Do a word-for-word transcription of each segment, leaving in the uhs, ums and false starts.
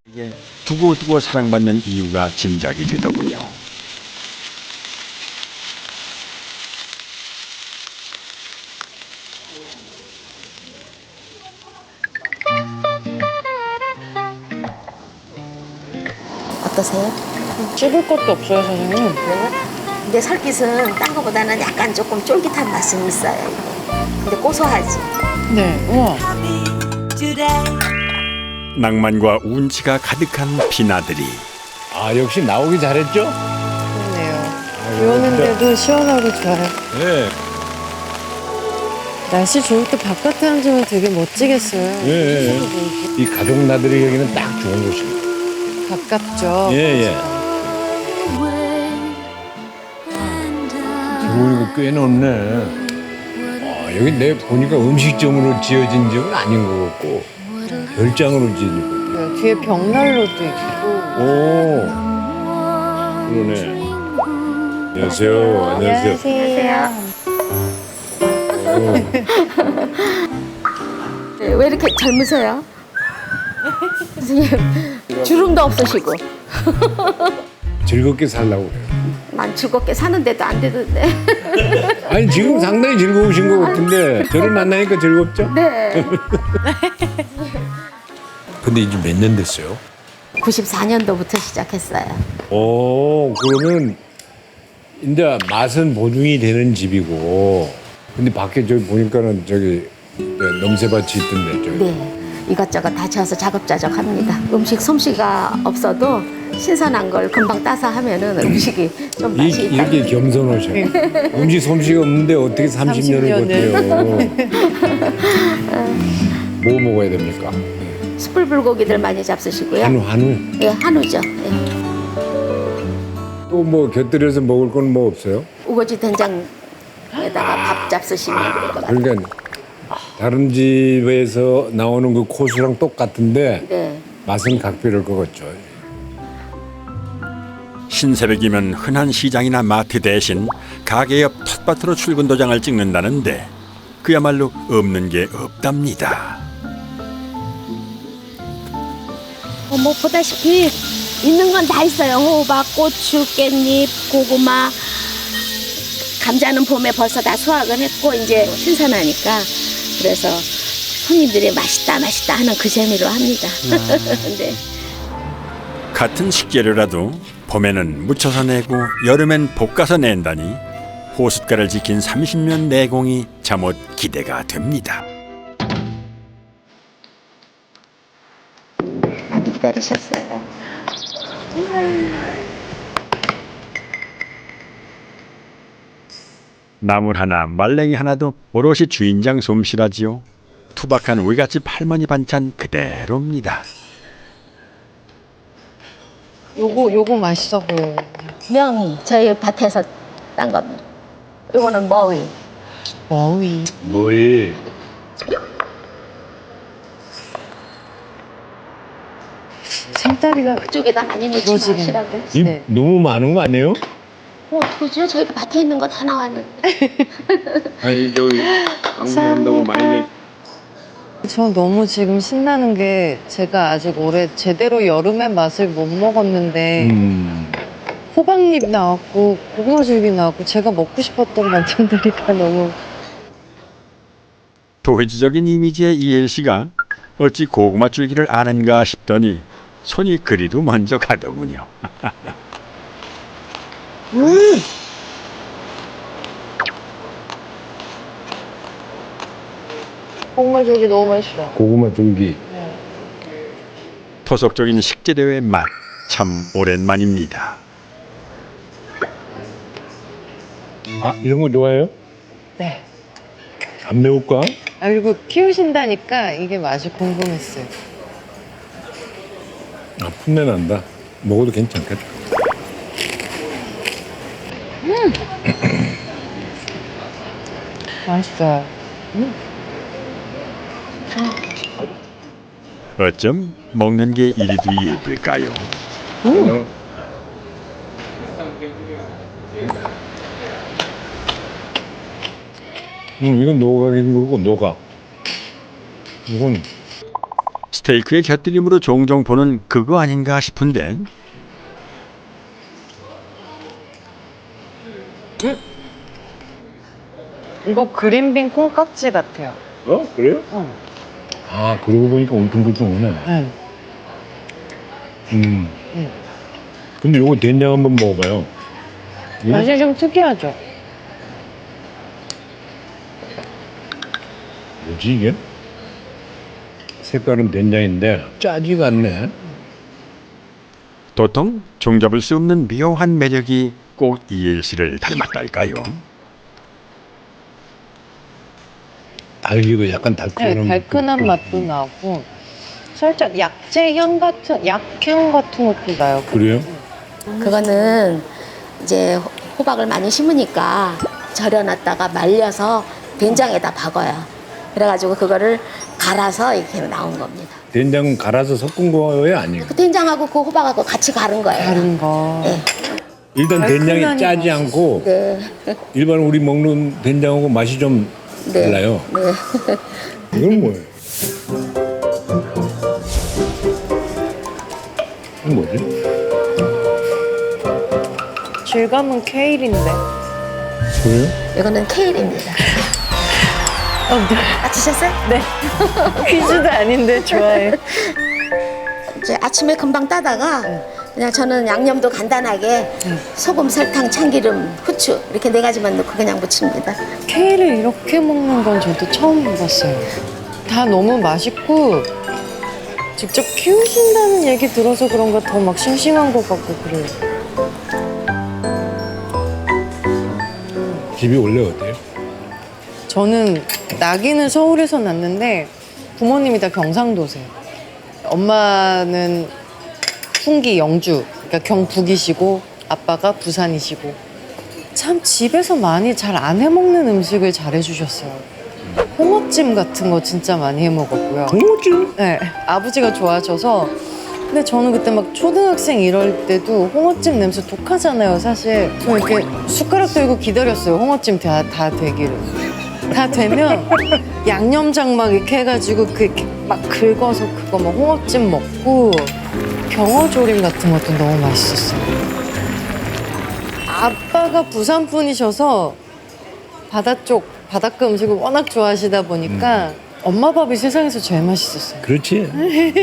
이게 두고두고 사랑받는 이유가 짐작이 되더군요. 어떠세요? 찍을 것도 없어요, 사장님. 그래요? 근데 설깃은 딴 거보다는 약간 조금 쫄깃한 맛이 있어요. 이게. 근데 고소하지. 네, 우와. 낭만과 운치가 가득한 비나들이 아 역시 나오기 잘했죠? 좋네요. 비 오는데도 시원하고 좋아요. 네. 날씨 좋을 때 바깥에 앉으면 되게 멋지겠어요. 예, 예. 이 가족 나들이 여기는 딱 좋은 곳입니다. 가깝죠. 예, 예. 들어오니까 꽤 넓네. 아, 여기 내 보니까 음식점으로 지어진 집은 아닌 것 같고 별장으로 지어진 것 같아요. 네, 뒤에 벽난로도 있고. 오, 그러네. 안녕하세요. 안녕하세요. 오. 네, 왜 이렇게 젊으세요? 선생님, 주름도 없으시고. 즐겁게 살라고 그래요. 난 즐겁게 사는데도 안 되던데. 아니 지금 상당히 즐거우신 것 같은데 저를 만나니까 즐겁죠? 네. 근데 이제 몇 년 됐어요? 구십사 년도부터 시작했어요. 오, 그러면 이제 맛은 보증이 되는 집이고, 근데 밖에 저기 보니까는 저기 넘새밭이 있던데 저기. 네. 이것저것 다 지어서 자급자족 합니다. 음식 솜씨가 없어도 신선한 걸 금방 따서 하면은 음식이 좀 이, 맛이 있다. 이렇게 겸손하셔. 음식 솜씨가 없는데 어떻게 삼십 년을 버텨요? 뭐 먹어야 됩니까? 숯불 불고기들 많이 잡수시고요. 한우, 한우. 예, 한우죠. 예. 또 뭐 곁들여서 먹을 건 뭐 없어요? 우거지 된장에다가 밥 잡수시면 될 것 같아요. 그러니까 다른 집에서 나오는 그 코스랑 똑같은데 네. 맛은 각별할 것 같죠. 신새벽이면 흔한 시장이나 마트 대신 가게 옆 텃밭으로 출근 도장을 찍는다는데 그야말로 없는 게 없답니다. 어, 뭐 보다시피 있는 건 다 있어요. 호박, 고추, 깻잎, 고구마. 감자는 봄에 벌써 다 수확을 했고 이제 신선하니까 그래서 손님들이 맛있다 맛있다 하는 그 재미로 합니다. 네. 같은 식재료라도 봄에는 무쳐서 내고 여름엔 볶아서 낸다니 호숫가를 지킨 삼십 년 내공이 잠옷 기대가 됩니다. 많이 기다리셨어요. 나물 하나 말랭이 하나도 오롯이 주인장 솜씨라지요. 투박한 외갓집 할머니 반찬 그대로입니다. 요거, 요거 맛있어 보여요. 명이 저희 밭에서 딴 겁니다. 이거는 머위. 머위. 뭐이? 생다리가 그쪽에다 많이 넣지 이거지긴. 마시라고요. 입 네. 너무 많은 거 아니에요? 어, 어떡하죠? 저희 밭에 있는 거 다 나왔는데. 아니 저기 방문한다고 많이 저 너무 지금 신나는 게 제가 아직 올해 제대로 여름의 맛을 못 먹었는데 음. 호박잎 나왔고 고구마줄기 나왔고 제가 먹고 싶었던 반찬들이 다 너무 도회지적인 이미지의 이엘 씨가 어찌 고구마 줄기를 아는가 싶더니 손이 그리도 먼저 가더군요. 고구마줄기 너무 맛있어. 고구마 줄기. 토속적인 식재료의 맛 참 오랜만입니다. 아 이런 거 좋아해요? 네. 안 매울까? 아 그리고 키우신다니까 이게 맛이 궁금했어요. 아 풋내 난다. 먹어도 괜찮겠다. 맛있어요. 어쩜 먹는 게 이리도 예쁠까요? 음. 음, 이건 녹아긴 거고 녹아. 이건 스테이크의 곁들임으로 종종 보는 그거 아닌가 싶은데 이거 그린빈 콩깍지 같아요. 어? 그래요? 어. 아, 그러고 보니까 울퉁불퉁하네. 네. 음. 음. 근데 요거 된장 한번 먹어봐요. 이거? 맛이 좀 특이하죠? 뭐지 이게? 색깔은 된장인데 짜지가 않네. 도통 종잡을 수 없는 묘한 매력이 꼭 이엘 씨를 닮았달까요? 달기고 약간 네, 달큰한 달큰한 맛도 나고 살짝 약재 향 같은 약향 같은 것도 나요. 그래요? 그거는 이제 호- 호박을 많이 심으니까 절여놨다가 말려서 된장에다 박아요. 그래가지고 그거를 갈아서 이렇게 나온 겁니다. 된장 갈아서 섞은 거예요, 아니에요? 그 된장하고 그 호박하고 같이 갈은 거예요. 다른 거. 네. 일단 된장이 달큰하니 짜지 맛있어. 않고 네. 일반 우리 먹는 된장하고 맛이 좀 네. 달라요. 네. 이건 뭐예요? 이건 뭐지? 질감은 케일인데. 그래요? 이거는 케일입니다. 어, 네. 아, 드셨어요? 네. 퀴즈도 아닌데 좋아해. 이제 아침에 금방 따다가 그냥 저는 양념도 간단하게 소금, 설탕, 참기름, 후추 이렇게 네 가지만 넣고 그냥 무칩니다. 케일을 이렇게 먹는 건 저도 처음 봤어요. 다 너무 맛있고 직접 키우신다는 얘기 들어서 그런가 더 막 싱싱한 것 같고 그래요. 집이 원래 어때요? 저는 나기는 서울에서 났는데 부모님이 다 경상도세요. 엄마는 풍기 영주, 그러니까 경북이시고 아빠가 부산이시고 참 집에서 많이 잘 안 해먹는 음식을 잘 해주셨어요. 홍어찜 같은 거 진짜 많이 해먹었고요. 홍어찜? 네, 아버지가 좋아하셔서. 근데 저는 그때 막 초등학생 이럴 때도 홍어찜 냄새 독하잖아요, 사실. 저 이렇게 숟가락 들고 기다렸어요, 홍어찜 다, 다 되기를. 다 되면 양념장 막 이렇게 해가지고 그 이렇게 막 긁어서 그거 막 홍어찜 먹고 병어조림 같은 것도 너무 맛있었어요. 아빠가 부산 분이셔서 바다 쪽 바닷가 음식을 워낙 좋아하시다 보니까 엄마 밥이 세상에서 제일 맛있었어요. 그렇지.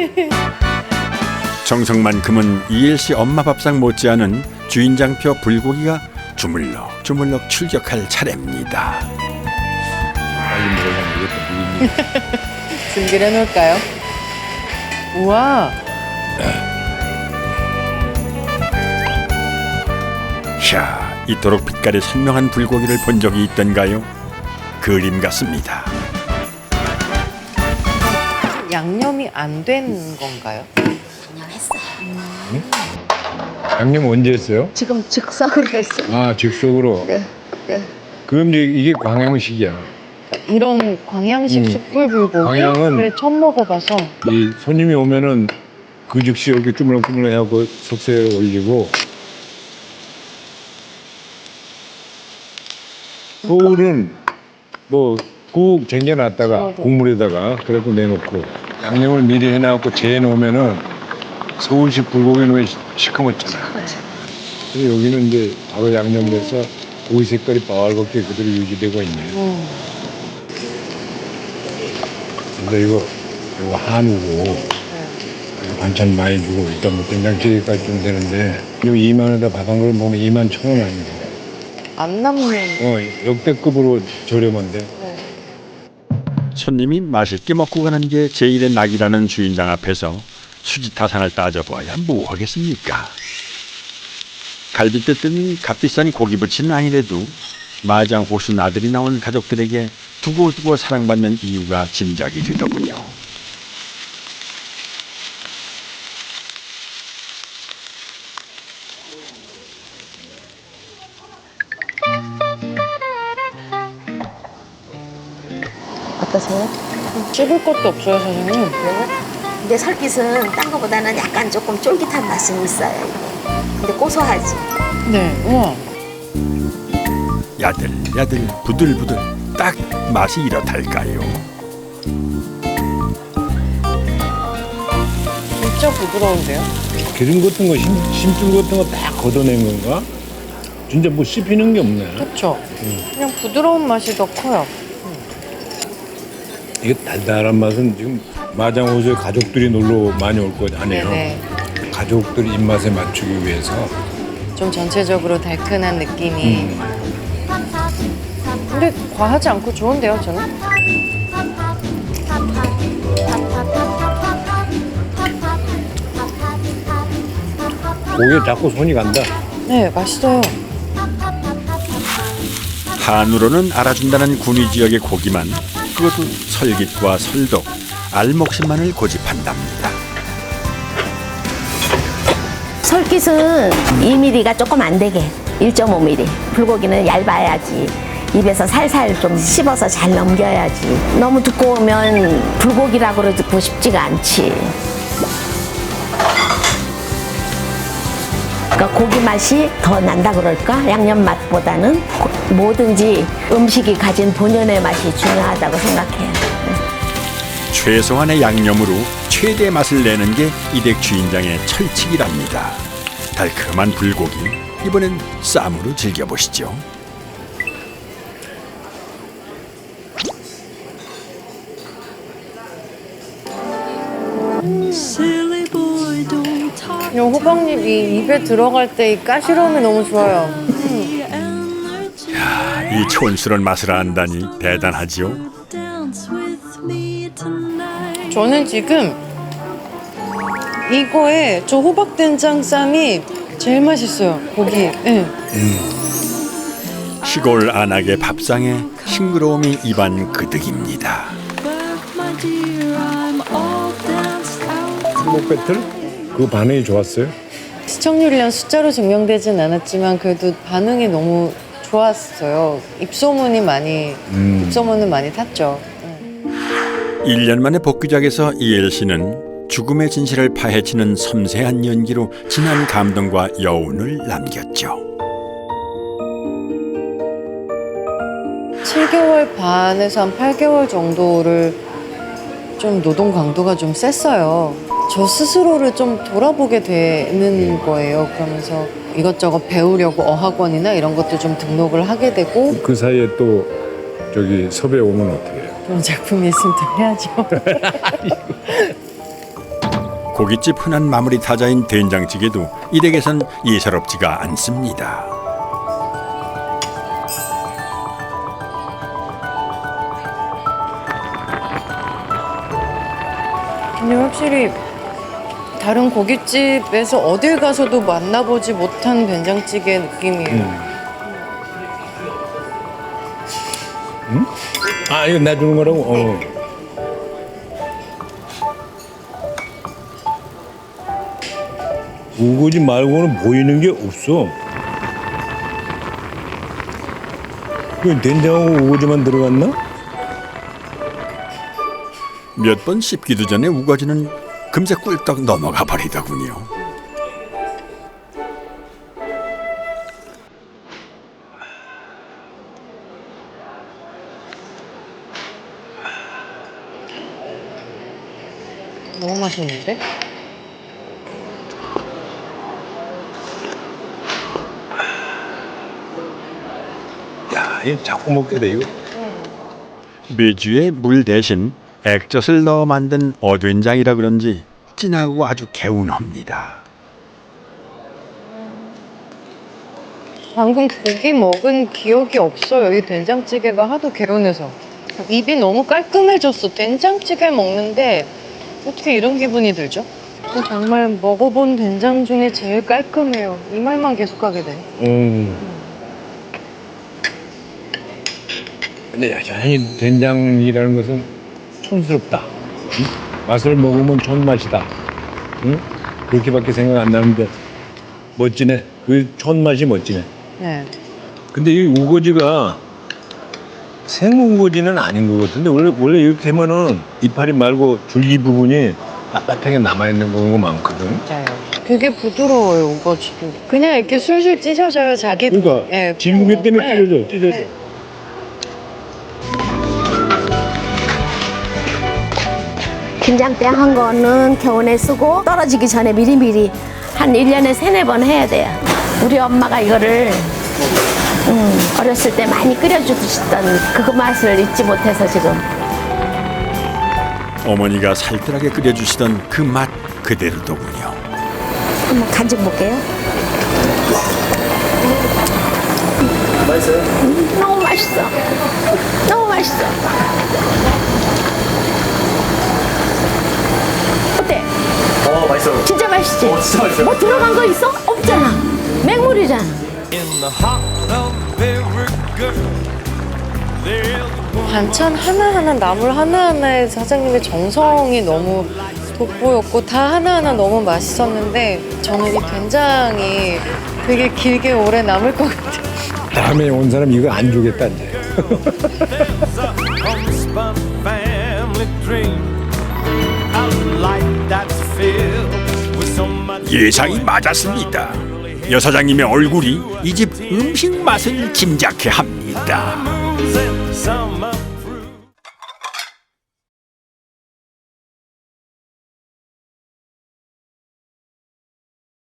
정성만큼은 이엘 씨 엄마 밥상 못지않은 주인장표 불고기가 주물럭 주물럭 출격할 차례입니다. 빨리 먹으려면 이것도 준비를 해놓을까요? 우와, 샤, 이토록 빛깔이 선명한 불고기를 본 적이 있던가요? 그림 같습니다. 양념이 안 된 건가요? 그냥 했어요. 양념 언제 했어요? 지금 즉석으로 했어요. 아, 즉석으로. 네. 네. 그럼 이제 이게 광양식이야. 이런 광양식 음. 숯불 불고기? 광양은- 그래, 처음 먹어봐서. 이 손님이 오면은 그 즉시 이렇게 주물럭주물럭 하고 석쇠에 올리고. 서울은 뭐 국 쟁여놨다가 국물에다가 그래도 내놓고 양념을 미리 해놔갖고 재해 놓으면은 서울식 불고기는 왜 시커멓잖아. 근데 여기는 이제 바로 양념돼서 고기 색깔이 빨갛게 그대로 유지되고 있네. 음. 근데 이거 이거 한우고 이거 반찬 많이 주고 일단 뭐 된장찌개까지 좀 되는데 이거 이만 원에다 밥 한 그릇 먹으면 이만 천 원 아니고 안 남는. 어 역대급으로 저렴한데. 손님이 맛있게 먹고 가는 게 제일의 낙이라는 주인장 앞에서 수지타산을 따져봐야 뭐 하겠습니까? 갈비뼈 뜬 값비싼 고기부치는 아니래도 마장 호순 아들이 나온 가족들에게 두고두고 사랑받는 이유가 짐작이 되더군요. 어떠세요? 씹을 것도 없어요, 사장님. 근데 설깃은 딴 거보다는 약간 조금 쫄깃한 맛은 있어요. 이게. 근데 고소하지. 네, 우와. 야들야들 부들부들 딱 맛이 이렇달까요? 진짜 부드러운데요? 기름 같은 거, 심, 심줄 같은 거 다 걷어낸 건가? 진짜 뭐 씹히는 게 없네. 그렇죠. 그냥 부드러운 맛이 더 커요. 이게 달달한 맛은 지금 마장호수에 가족들이 놀러 많이 올 거 아니에요. 네네. 가족들 입맛에 맞추기 위해서. 좀 전체적으로 달큰한 느낌이. 음. 근데 과하지 않고 좋은데요, 저는? 고기에 자꾸 손이 간다. 네, 맛있어요. 한우로는 알아준다는 군위 지역의 고기만 그것도 설깃과 설독, 알목심만을 고집한답니다. 설깃은 이 밀리미터가 조금 안 되게 일 점 오 밀리미터. 불고기는 얇아야지. 입에서 살살 좀 씹어서 잘 넘겨야지. 너무 두꺼우면 불고기라고 그러고 싶지가 않지. 그러니까 고기 맛이 더 난다 그럴까? 양념 맛보다는 고- 뭐든지 음식이 가진 본연의 맛이 중요하다고 생각해요. 최소한의 양념으로 최대 맛을 내는 게 이댁 주인장의 철칙이랍니다. 달콤한 불고기, 이번엔 쌈으로 즐겨보시죠. 이 호박잎이 입에 들어갈 때 이 까시로움이 너무 좋아요. 이 촌스러운 맛을 안다니 대단하지요. 저는 지금 이거에 저 호박 된장 쌈이 제일 맛있어요. 고기. 네. 시골 안악의 밥상에 싱그러움이 입안 그득입니다. 행복 배틀? 그 반응이 좋았어요? 시청률이랑 숫자로 증명되진 않았지만 그래도 반응이 너무 좋았어요. 입소문이 많이 음. 입소문은 많이 탔죠. 일 년 만에 복귀작에서 이엘 씨는 죽음의 진실을 파헤치는 섬세한 연기로 진한 감동과 여운을 남겼죠. 칠 개월 반에서 한 팔 개월 정도를 좀 노동 강도가 좀 셌어요. 저 스스로를 좀 돌아보게 되는 거예요. 그러면서 이것저것 배우려고 어학원이나 이런 것도 좀 등록을 하게 되고 그 사이에 또 저기 섭외 오면 어떻게 해요? 그런 작품이 있으면 또 해야죠. 고깃집 흔한 마무리 타자인 된장찌개도 이 댁에선 예사롭지가 않습니다. 근데 확실히 다른 고깃집에서 어딜 가서도 만나보지 못한 된장찌개 느낌이에요. 음. 아, 이거 놔주는 거라고? 어. 우거지 말고는 보이는 게 없어. 그 된장하고 우거지만 들어갔나? 몇 번 씹기도 전에 우거지는 금세 꿀떡 넘어가 버리더군요. 너무 맛있는데? 야, 이거 자꾸 먹게 돼, 이거. 메주에 물 대신 액젓을 넣어 만든 어된장이라 그런지 진하고 아주 개운합니다. 방금 고기 먹은 기억이 없어요. 이 된장찌개가 하도 개운해서. 입이 너무 깔끔해졌어. 된장찌개 먹는데 어떻게 이런 기분이 들죠? 정말 먹어본 된장 중에 제일 깔끔해요. 이 말만 계속하게 돼. 음. 근데 여전히 된장이라는 것은 촌스럽다. 응? 맛을 먹으면 촌맛이다. 응? 그렇게밖에 생각 안 나는데 멋지네. 그 촌맛이 멋지네. 네. 근데 이 우거지가 생우거지는 아닌 것 같은데 원래 원래 이렇게 하면은 이파리 말고 줄기 부분이 빳빳하게 남아있는 경우가 많거든. 맞아요. 되게 부드러워요, 우거지도. 그냥 이렇게 술술 찢어져요, 자기. 그러니까 예. 진국이 때문에 네. 찢어져, 찢어져. 네. 김장땡 한 거는 겨우내 쓰고 떨어지기 전에 미리미리 한 일 년에 세네 번 해야 돼요. 우리 엄마가 이거를 음, 어렸을 때 많이 끓여주시던 그 맛을 잊지 못해서 지금. 어머니가 살뜰하게 끓여주시던 그 맛 그대로더군요. 한번 간증 볼게요. 맛있어요? 음, 너무 맛있어. 너무 맛있어. 어때? 어, 맛있어요. 진짜 맛있지? 어, 진짜 맛있어요. 뭐 들어간 거 있어? 없잖아. 맹물이잖아. 반찬 하나하나, 나물 하나하나에 사장님의 정성이 너무 돋보였고 다 하나하나 너무 맛있었는데 저는 이 된장이 되게 길게 오래 남을 것 같아요. 다음에 온 사람 이거 안 주겠다 이제. 예상이 맞았습니다. 여사장님의 얼굴이 이 집 음식 맛을 짐작케 합니다.